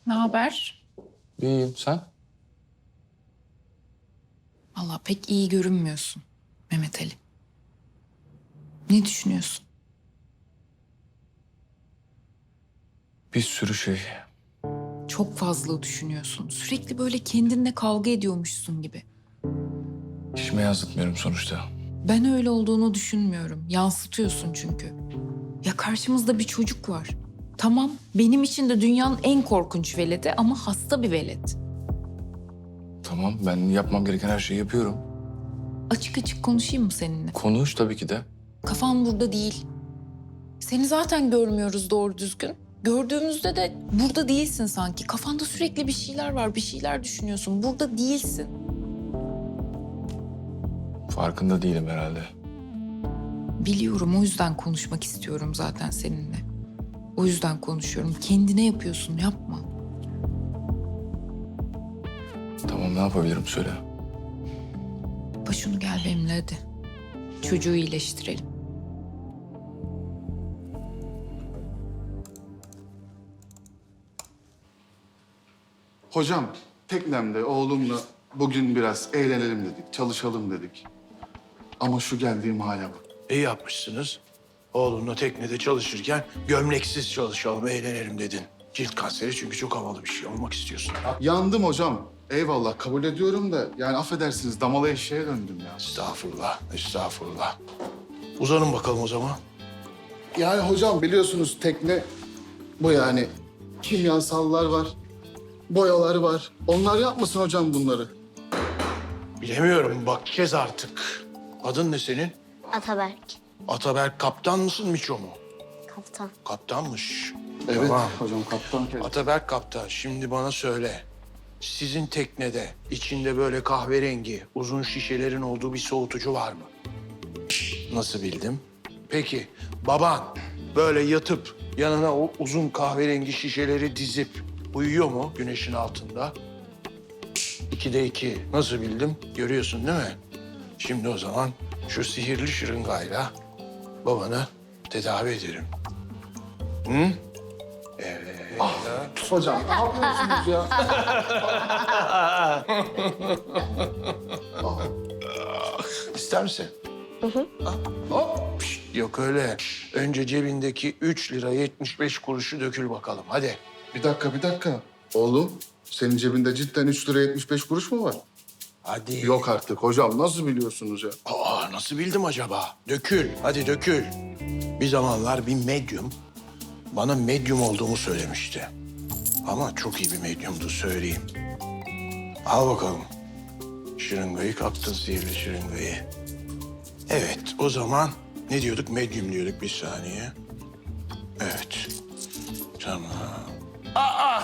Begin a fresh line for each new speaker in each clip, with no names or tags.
Ne haber?
İyiyim, sen?
Vallahi pek iyi görünmüyorsun Mehmet Ali. Ne düşünüyorsun?
Bir sürü şey.
Çok fazla düşünüyorsun. Sürekli böyle kendinle kavga ediyormuşsun gibi.
İşime yansıtmıyorum sonuçta.
Ben öyle olduğunu düşünmüyorum. Yansıtıyorsun çünkü. Ya karşımızda bir çocuk var. Tamam, benim için de dünyanın en korkunç veledi ama hasta bir velet.
Tamam, ben yapmam gereken her şeyi yapıyorum.
Açık açık konuşayım mı seninle?
Konuş tabii ki de.
Kafan burada değil. Seni zaten görmüyoruz doğru düzgün. Gördüğümüzde de burada değilsin sanki. Kafanda sürekli bir şeyler var, bir şeyler düşünüyorsun. Burada değilsin.
Farkında değilim herhalde.
Biliyorum, o yüzden konuşmak istiyorum zaten seninle. O yüzden konuşuyorum. Kendine yapıyorsun, yapma.
Tamam, ne yapabilirim söyle.
Başını gel benimle hadi. Çocuğu iyileştirelim.
Hocam, teknemde oğlumla bugün biraz eğlenelim dedik, çalışalım dedik. Ama şu geldiğim hale bak.
İyi yapmışsınız. Oğlunla teknede çalışırken gömleksiz çalışalım, eğlenelim dedin. Cilt kanseri çünkü çok havalı bir şey olmak istiyorsun.
Yandım hocam. Eyvallah, kabul ediyorum da yani affedersiniz damalı eşeğe döndüm ya.
Estağfurullah, estağfurullah. Uzanın bakalım o zaman.
Yani hocam biliyorsunuz tekne bu yani. Kimyasallar var, boyalar var. Onlar yapmasın hocam bunları.
Bilemiyorum, bakacağız artık. Adın ne senin?
Ataberk.
Ataberk kaptan mısın, Miço mu?
Kaptan.
Kaptanmış.
Evet
Tamam.
hocam kaptan.
Ataberk kaptan, şimdi bana söyle. Sizin teknede içinde böyle kahverengi, uzun şişelerin olduğu bir soğutucu var mı? Nasıl bildim? Peki, baban böyle yatıp yanına o uzun kahverengi şişeleri dizip uyuyor mu güneşin altında? 2'de 2. Nasıl bildim? Görüyorsun değil mi? Şimdi o zaman şu sihirli şırıngayla babanı tedavi ederim. Hı? Evet.
Hocam ne yapıyorsunuz ya?
İster misin? Hop. Pişt, yok öyle. Önce cebindeki 3 lira 75 kuruşu dökül bakalım. Hadi.
Bir dakika. Oğlum, senin cebinde cidden 3 lira 75 kuruş mu var?
Hadi.
Yok artık hocam, nasıl biliyorsunuz ya?
Aa, nasıl bildim acaba? Dökül. Hadi dökül. Bir zamanlar bir medyum bana medyum olduğumu söylemişti. Ama çok iyi bir medyumdu söyleyeyim. Al bakalım. Şırıngayı kaptın, sihirli şırıngayı. Evet, o zaman ne diyorduk? Medyum diyorduk, bir saniye. Evet. Tamam. Aa!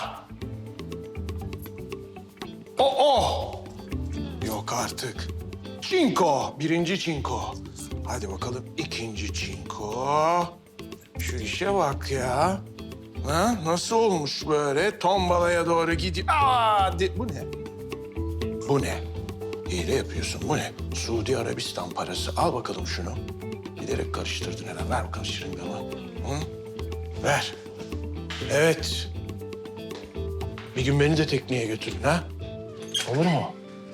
O! Yok artık. Çinko, birinci çinko. Hadi bakalım ikinci çinko. Şu işe bak ya. Ha, nasıl olmuş böyle? Tombalaya doğru gidiyor. Bu ne? Bu ne? Hile yapıyorsun. Bu ne? Suudi Arabistan parası. Al bakalım şunu. Giderek karıştırdın herhalde. Ver bakalım şırıngamı. Hı? Ver. Evet. Bir gün beni de tekneye götürün ha. Olur mu?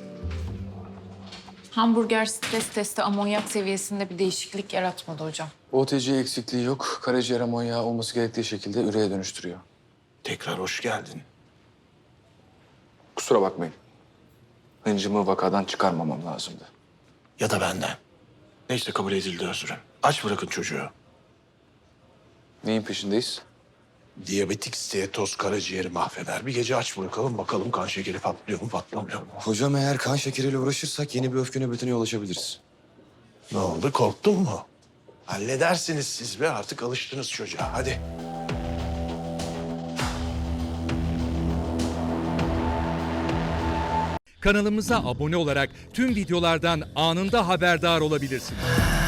Hamburger stres testi amonyak seviyesinde bir değişiklik yaratmadı hocam.
OTC eksikliği yok. Karaciğer amonyağı olması gerektiği şekilde üreye dönüştürüyor.
Tekrar hoş geldin.
Kusura bakmayın. Hıncımı vakadan çıkarmamam lazımdı.
Ya da benden. Neyse kabul edildi özrün. Aç bırakın çocuğu.
Neyin peşindeyiz?
Diyabetik steatoz karaciğeri mahveder. Bir gece aç bırakalım bakalım kan şekeri patlıyor mu patlamıyor mu?
Hocam eğer kan şekeriyle uğraşırsak yeni bir öfke nöbetine yol açabiliriz.
Ne oldu korktun mu? Halledersiniz siz be artık alıştınız çocuğa hadi.
Kanalımıza abone olarak tüm videolardan anında haberdar olabilirsiniz.